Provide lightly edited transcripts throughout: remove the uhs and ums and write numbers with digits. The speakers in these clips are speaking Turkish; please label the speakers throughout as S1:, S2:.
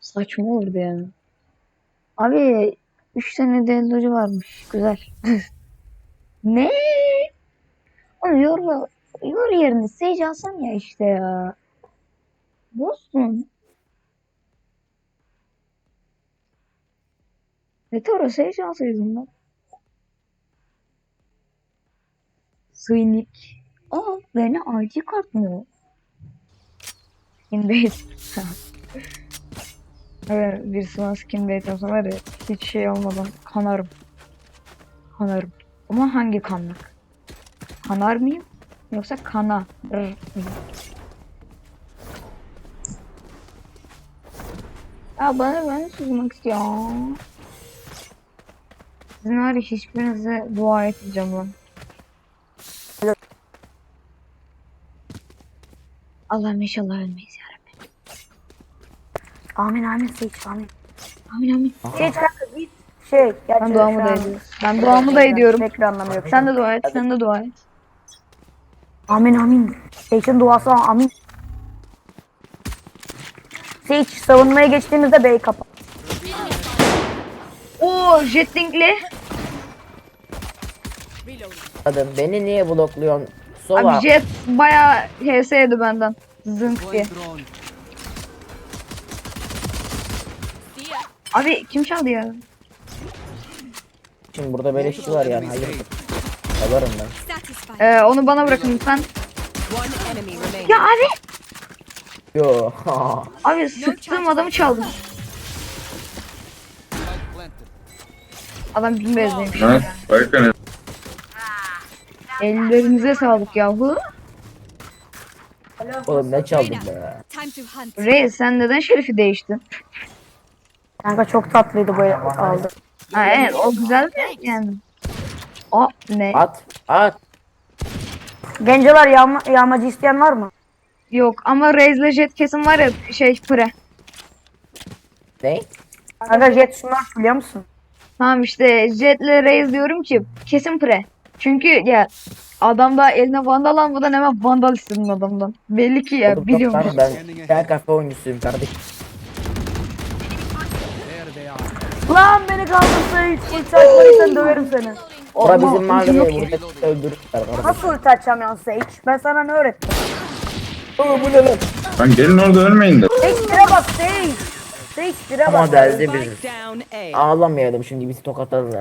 S1: Saçma olurdu yani. Abi 3 tane dellocu varmış. Güzel. Ne? Onu yor yerine Sage alsam ya işte ya. Bozsun. Retoro Sage alsaydım ben. Sıynik. Aa beni ID kart mı? Skin bait. Evet birisi bana skin bait yapsa var ya hiç şey olmadan kanarım. Kanarım. Ama hangi kanlık? Kanar mıyım? Yoksa kana mıyım? Ya ben susmak istiyorum. Sizin var ya hiçbirinize dua etmeyeceğim lan. Allah'ım inşallah ölmeyiz ya.
S2: Amin amin Sage amin.
S1: Amin amin.
S2: Sage kanka git. Şey gerçi
S1: Ben duamı
S2: şu
S1: da
S2: an
S1: ediyorum. Ben duamı da ediyorum.
S2: pek bir anlamı yok.
S1: Sen de dua et. Sen de dua et.
S2: Amin amin. Sage'in duası amin. Sage savunmaya geçtiğimizde B'yi kapat.
S1: Oo jetlinkli.
S3: Adam beni niye blokluyorsun? Sova.
S1: Abi jet bayağı HS'ydi benden. Zınk diye. Abi kim çaldı ya?
S3: Şimdi burada böyle şey var yani. Hayır. Yalarım ben.
S1: Onu bana bırakın lütfen. Ya abi.
S3: Yo.
S1: Abi sıktığım adamı çaldım. Adam bin bezdeymiş.
S4: Nice. Bakın.
S1: Ellerinize sağlık yahu.
S3: Oğlum ne çaldın be?
S1: Reis sen neden şerifi değiştin?
S2: Kanka çok tatlıydı bu aldı.
S1: Ha evet o güzel de yani. O ne?
S3: At. At.
S2: Gencolar yağmacı isteyen var mı?
S1: Yok ama Reis'le jet kesin var ya şey pre.
S3: Ne?
S2: Kanka Jet Smurf biliyor musun?
S1: Tamam işte jetle Reis diyorum ki kesin pre. Çünkü ya adam da eline vandal almadan hemen vandal istedim adamdan. Belli ki ya
S3: Oğlum,
S1: biliyormuş.
S3: yok lan, ben kafe oyuncusuyum kardeşim.
S2: Lan beni kaldır Sage. Ulti açmadıysan döverim seni.
S3: Bura
S1: Ama
S3: bizim
S1: ucu
S3: mahalleye
S1: yok ya.
S3: burada öldürürler.
S2: Nasıl ulti açacağım ya Sage? Ben sana ne öğrettim?
S3: Oğlum bu ne lan?
S4: Lan gelin orada ölmeyin de.
S2: Sage dire bak Sage. Sage dire bak.
S3: Ama deldi bizi. Ağlamayalım şimdi bizi tokatladılar.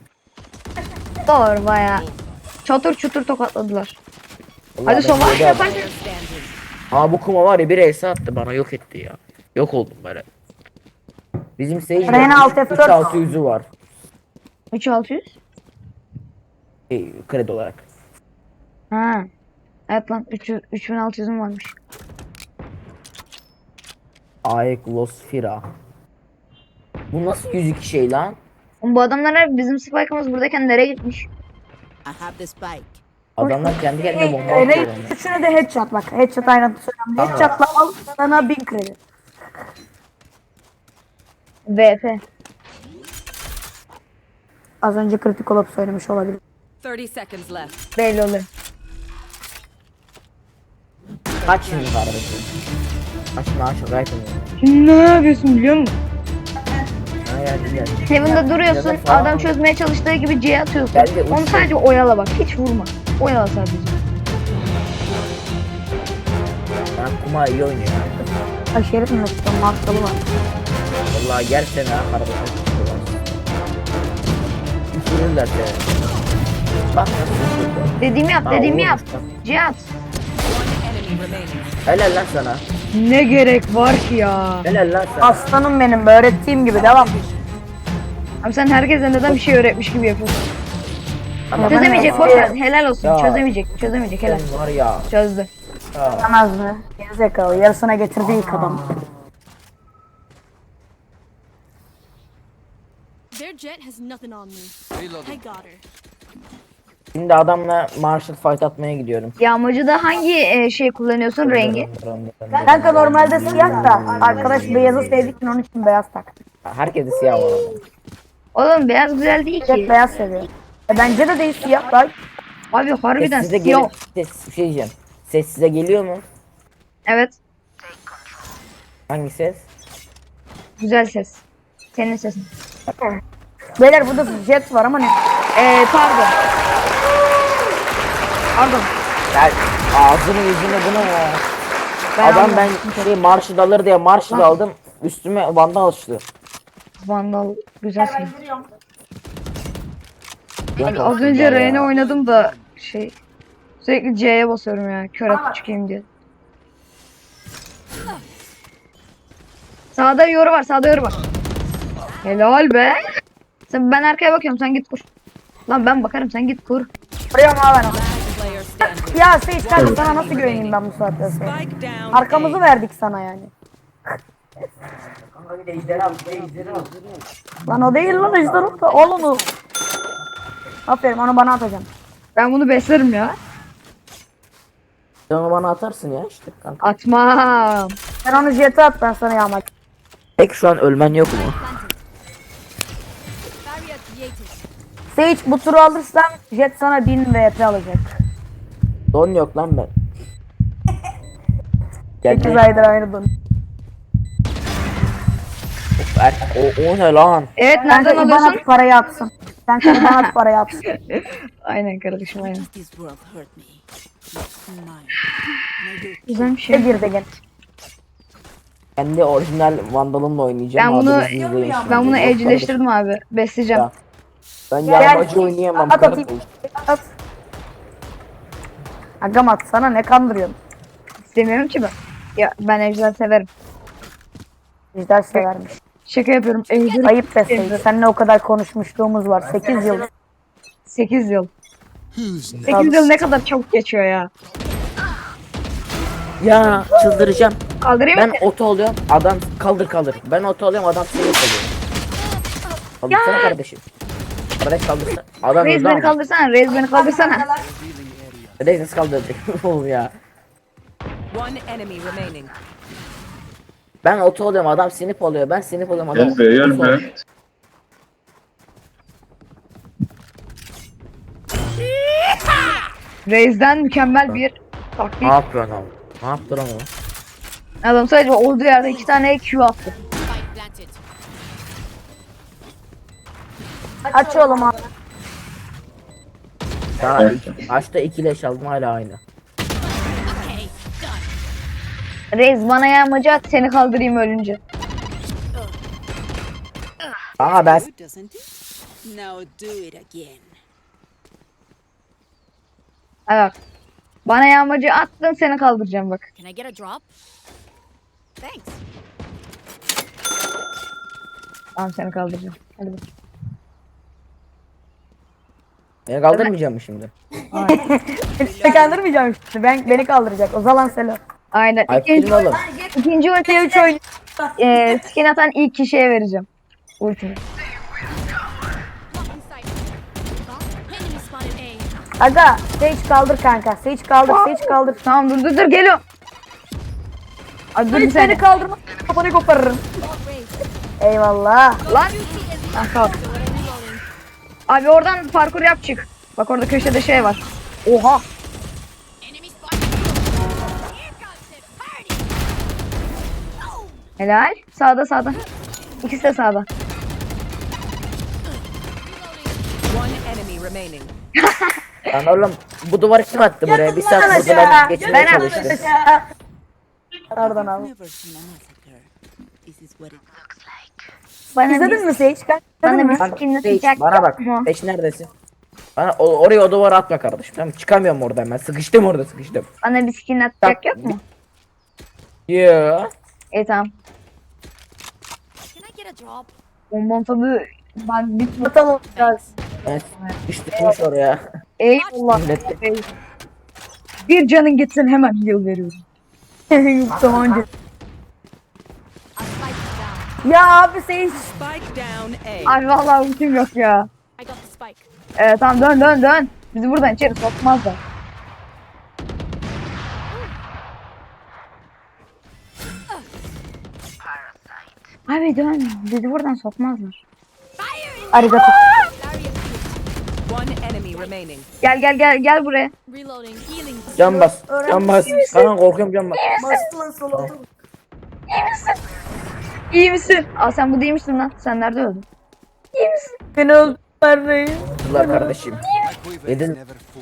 S1: Doğru baya. Çatır çutur tokatladılar.
S3: Vallahi
S1: Hadi
S3: ben
S1: Sova
S3: böyle
S1: yaparsın.
S3: Aa bu kuma var ya bir ace attı bana yok etti ya. Yok oldum böyle. Bizim
S2: Reyna
S3: seyirciler
S2: alt F4.
S3: 3600'ü var.
S1: 3600.
S3: Kredi olarak.
S1: Ha. Evet lan 3600'üm varmış.
S3: Aeklosfera. Bu nasıl 102 şey lan?
S1: Oğlum bu adamlar hep bizim spike'ımız buradayken nereye gitmiş?
S5: I have the spike.
S3: Adamlar kendi kendine bomba
S2: Raid
S3: atıyor.
S2: üçüne de headshot bak. Headshot aynı anda söylüyorum.
S3: Tamam.
S2: Headshot'la al sana 1000 kredi.
S1: VP.
S2: Az önce kritik olup söylemiş olabilir.
S5: 30 seconds left.
S1: Belli oluyor.
S3: Kaç şimdi kardeşim? Kaç maaşı gayet önemli.
S1: Şimdi ne yapıyorsun biliyor musun?
S3: Ha ya güzel.
S1: Heaven'da duruyorsun,
S3: Ya da falan.
S1: adam çözmeye çalıştığı gibi C'ye atıyorsun.
S3: Ben de
S1: Onu
S3: uçtum.
S1: sadece oyala bak, hiç vurma. Oyala sadece.
S3: Ben kuma iyi oynuyor ya.
S2: Ay şerif mi yaptım? Markalı var.
S3: Vallahi gerçekten ha kardeşim. Düşürürler seni. Bak nasıl düşürdü.
S1: Dediğimi yap,
S3: Ha,
S1: dediğimi
S3: olur
S1: yap.
S3: işte.
S1: C at.
S5: Enemy remaining.
S3: Helal lan sana.
S1: Ne gerek var ki ya?
S3: Helal lan sana.
S2: Aslanım benim öğrettiğim gibi devam.
S1: Abi sen herkese neden bir şey öğretmiş gibi yapıyorsun?
S3: Ama
S1: Çözemeyecek, boş ver. Helal olsun.
S3: Ya.
S1: Çözemeyecek, helal.
S3: Sen var ya.
S1: Çözdü.
S3: Ha.
S2: Yemez mi? Gerizekalı. Yarısına getirdi ilk adam.
S6: Their jet has nothing on me. I got her.
S3: Şimdi adamla martial fight atmaya gidiyorum.
S1: Yağmacıda hangi şey kullanıyorsun rengi?
S2: Kanka normalde siyah da arkadaş beyazı sevdiği için onun için beyaz tak.
S3: Herkese siyah var orada.
S1: Oğlum beyaz güzel değil
S2: Jet
S1: ki.
S2: beyaz seviyor. Bence de değil siyah da.
S1: Abi harbiden
S3: Ses size
S1: siyah.
S3: geliyor. Bir şey diyeceğim. Ses size geliyor mu?
S1: Evet.
S3: Hangi ses?
S1: Güzel ses. Senin sesin.
S2: Beyler burada jet var ama ne?
S1: Pardon. Pardon.
S3: Gel ağzını yüzünü bunu ya.
S1: Ben
S3: Adam
S1: almadım.
S3: ben marşı alır diye marşı da aldım. Üstüme vandal açtı.
S1: Vandal güzel ses.
S3: Yok
S1: Az
S3: olsun
S1: önce
S3: ya.
S1: Reyna oynadım da sürekli C'ye basıyorum ya. Kör atıp çıkayım diye. Sağda yoru var, sağda yoru var. Helal be. Ben arkaya bakıyorum, sen git kur. Lan ben bakarım, sen git kur.
S2: Vuruyorum abi ben onu.
S5: Player standing.
S2: Ya Sage kanka sana nasıl güveneyim ben bu saatte sonra?
S5: Spike down.
S2: Arkamızı verdik sana yani. Lan o değil lan ejderha da al onu. Aferin onu bana atacağım.
S1: Ben bunu beslerim ya.
S3: Sen onu bana atarsın ya işte kanka.
S1: Atmam.
S2: Sen onu jet'e at ben sana yağmak.
S3: Peki şu an ölmen yok mu?
S6: Barrier created.
S2: Sage bu turu alırsan jet sana 1000 VP alacak.
S3: Don yok lan ben.
S2: 8
S3: Geldi.
S2: aydır aynı don.
S3: O ne lan?
S1: Evet,
S2: Kanka
S1: nereden
S2: IBAN
S1: alıyorsun?
S2: at parayı atsın. Kanka IBAN at parayı atsın.
S1: Aynen kardeşim, aynen.
S5: This world hurt me. It's mine. And I will
S1: Güzel bir
S2: Ne
S1: şey.
S2: girdi gene.
S3: Kendi orijinal vandalımla oynayacağım.
S1: Ben bunu
S3: Adınızı izleyin şimdi.
S1: ben bunu
S3: Yok
S1: evcilleştirdim abi. Besleyeceğim.
S3: Ya. Ben yağmacı oynayamam.
S2: At
S3: karı
S2: atayım.
S3: koyayım.
S2: At. Agam at sana ne kandırıyorsun?
S1: İstemiyorum ki ben. Ya ben ejder severim.
S2: Ejder severmiş.
S1: Şaka yapıyorum. Ejder
S2: Ayıp be Sage. Seninle o kadar konuşmuşluğumuz var. 8 yıl.
S1: 8 yıl. 8 yıl ne kadar çabuk geçiyor ya.
S3: Ya çıldıracağım.
S1: Kaldırayım
S3: Ben
S1: mı?
S3: oto oluyorum. Adam kaldır. Ben oto oluyorum. Adam seni kalıyor. Kaldırsana kardeşim. Kardeş kaldırsana. Adam
S1: Reis
S3: öldü
S1: beni
S3: ama.
S1: kaldırsana. Reis beni kaldırsana.
S3: Reis nasıl kaldıracak? Oğlum ya.
S5: One enemy remaining.
S3: Ben oto oluyorum. Adam sinip oluyor. Ben sinip oluyorum. Adam
S4: Gel be gel
S3: oto
S4: be.
S3: oluyor.
S1: Reis'den mükemmel bir taktik.
S3: Ne yapıyorsun abi? Ne yaptın ama?
S1: Adam sadece olduğu yerde 2 tane Q attı.
S6: Spike planted.
S2: Aç oğlum abi.
S3: Daha açta 2 leş aldım hala aynı.
S6: Okay, done.
S1: Reis bana yağmacı at, seni kaldırayım ölünce.
S3: Aa ben
S5: Doesn't it? Now do it again.
S1: Evet. Bana yağmacı attın, seni kaldıracağım bak.
S6: Can I get a drop? Thanks.
S1: Tamam, seni kaldıracağım. Hadi bak.
S3: beni kaldırmayacak mı şimdi?
S2: Seni kandırmayacağım işte. Beni kaldıracak. O zaman Selo.
S1: Aynen.
S3: Ay
S1: İkinci,
S3: film oğlum.
S1: ikinci ultiyi 3 oyun. Skin atan ilk kişiye vereceğim. Ultimi.
S6: Blocking sight. Enemy spotted A.
S2: Aga Sage kaldır kanka. Sage kaldır. Sage kaldır.
S1: Tamam, dur geliyorum. Abi dur bir
S2: Sage
S1: saniye.
S2: beni kaldırma. Kafanı koparırım. Eyvallah.
S1: Lan. Ah, kalk. Abi oradan parkur yap çık. Bak orada köşede şey var. Oha.
S6: Enemy spotted. Here comes the party.
S1: Helal. Sağda. İkisi de sağda.
S5: One enemy remaining.
S3: Lan oğlum bu duvarı kim attı buraya? Bir saat burada ben geçmeye çalıştım.
S2: Pardon abi.
S5: Never seen a massacre. This is what it looks like.
S1: Bana
S2: İzledin mi Sage?
S1: bana
S2: İzledin mi?
S1: bir skin
S3: Sage,
S1: atacak.
S3: bana bak.
S1: Hı.
S3: Sage neredesin? Bana oraya o duvara atma kardeşim. Tamam çıkamıyorum oradan ben. Sıkıştım orada sıkıştım.
S1: Bana bir skin atacak yok mu?
S3: Yeah.
S1: Tamam.
S6: Can I get a drop?
S1: Bonbon tadı ben bitmiyor.
S2: Atalım.
S3: Evet. Düştürmüş oraya.
S1: Eyvallah.
S3: Millette.
S1: Bir canın gitsin, hemen heal veriyorum.
S2: Sonucu.
S6: A spike down.
S2: Ya abi Sage.
S5: Spike down A.
S1: Abi vallahi ultim yok ya.
S6: I got the spike.
S1: Tamam dön. Bizi buradan içeri sokmazlar. Abi dön. Bizi buradan sokmazlar.
S2: Arigato.
S5: One enemy remaining.
S1: Gel buraya.
S6: Reloading. Healing.
S3: Can bas. Can bas. Karan korkuyorum can bas.
S1: İyi misin? Aa sen bu değilmişsin lan. Sen nerede öldün? İyi misin?
S2: Beni öldürdüler reis.
S3: Kızlar kardeşim. Neden?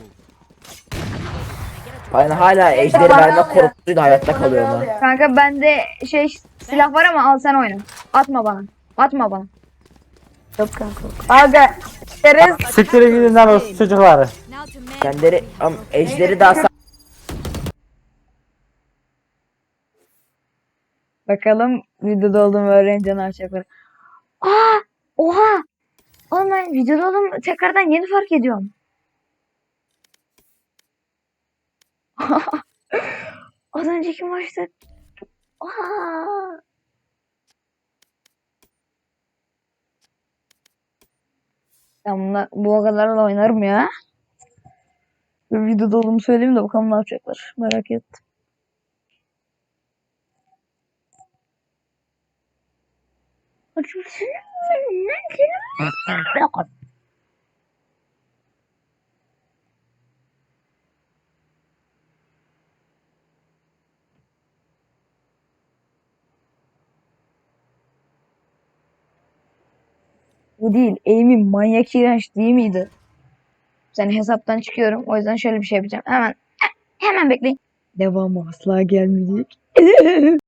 S3: Ben hala ejderi verme korkusuyla hayatta kalıyorum ha.
S1: Kanka bende silah var ama al sen oyna. Atma bana. Atma bana.
S2: Yok kanka. Aga. Şerez.
S7: Siktir gidin lan o çocukları.
S6: Now to man.
S3: Kendileri ejderi daha
S1: Bakalım videoda olduğumu öğrenince ne yapacaklar. Aa! Oha! Oğlum ben videoda olduğumu tekrardan yeni fark ediyorum. Az önceki maçta. Aa! Ben bu kadarla oynarım ya. Bir videoda olduğumu söyleyeyim de bakalım ne yapacaklar. Merak ettim. Bu değil. Aim'im manyak iğrenç değil miydi? Sen hesaptan çıkıyorum. O yüzden şöyle bir şey yapacağım. Hemen bekleyin. Devamı asla gelmeyecek.